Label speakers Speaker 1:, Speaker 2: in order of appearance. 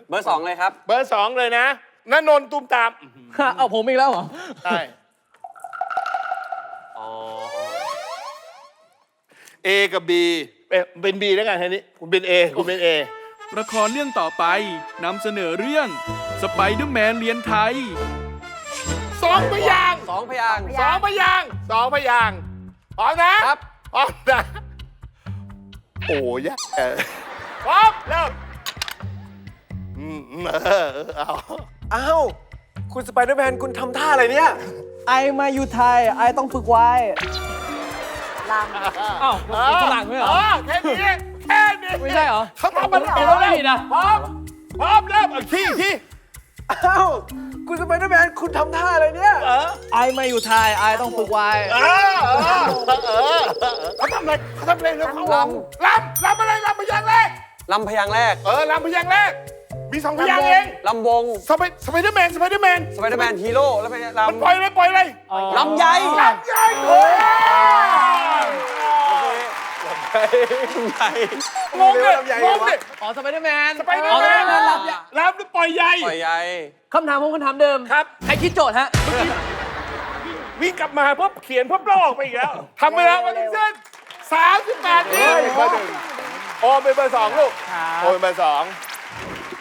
Speaker 1: เบอร์ 2เลยครับ
Speaker 2: เบอร์ 2เลยนะณนนท์ตุ้มตาม
Speaker 3: เอาผมอีกแล้วเหรอ
Speaker 2: ใช่
Speaker 1: อ๋อ
Speaker 2: A กับ B เป็น B แล้วกันทีนี้คุณเป็น A คุณเป็น A
Speaker 4: ละครเรื่องต่อไปนำเสนอเรื่องสไปเดอร์แมนเรียนไทย
Speaker 2: 2 พยางค์
Speaker 1: 2 พยางค์
Speaker 2: 2 พยางค์2 พยางค์พร้อมนะครับ พร้อมนะโอ้ยากพร้อมเริ่มเอา
Speaker 5: อ้าว คุณสไปเดอร์แมนคุณทำท่าอะไรเนี่ย
Speaker 3: ไอมาอยู่ไทย ไอต้องฝึกไว้
Speaker 6: ล
Speaker 3: อ้าวมันฝรั่งไม่เหรอ
Speaker 2: แค่นี้แค่นี้
Speaker 3: ไม่ใช่เหรอ
Speaker 2: เขาทำมัน
Speaker 3: เอาแล้วไม่ผิดอ่ะ
Speaker 2: พร้อมพร้อมเริ่มขี้
Speaker 5: อ้าว คุณสไปเดอร์แมนคุณทำท่าอะไรเนี่ย
Speaker 3: ไอมาอยู่ไทย ไอต้องฝึกไว้
Speaker 2: เขาทำอะไรแล้วเขาลำอะไรลำพยางค์แรก
Speaker 1: ลำพยางค์แรก
Speaker 2: ลำพยางค์แรกมี 2 พยางค์เอง
Speaker 1: ลำวง
Speaker 2: สไปเดอร์แมน
Speaker 1: สไปเดอร์แมนฮีโร่แล้วเป็น
Speaker 2: มันปล่อยเลย
Speaker 1: ลำไย
Speaker 2: ลำใหญ่โอ้ย
Speaker 1: ลำไย
Speaker 2: งงเลยงงเลย
Speaker 3: อ๋อสไปเดอร์แมน
Speaker 2: สไปเดอร์แมน ลำหรือปล่อยใหญ่
Speaker 1: ปล่อยใย
Speaker 3: คำถามผมคำถามเดิม
Speaker 2: ครับ
Speaker 3: ใครคิดโจทย์ฮะ
Speaker 2: วิ่งกลับมาเพิ่มเขียนเพิ่มลอกไปอีกแล้วทำเวลามาทั้งสิ้น38 วิโอเป็นเบอร์ 2 ลูก โอเป็นเบอร์ 2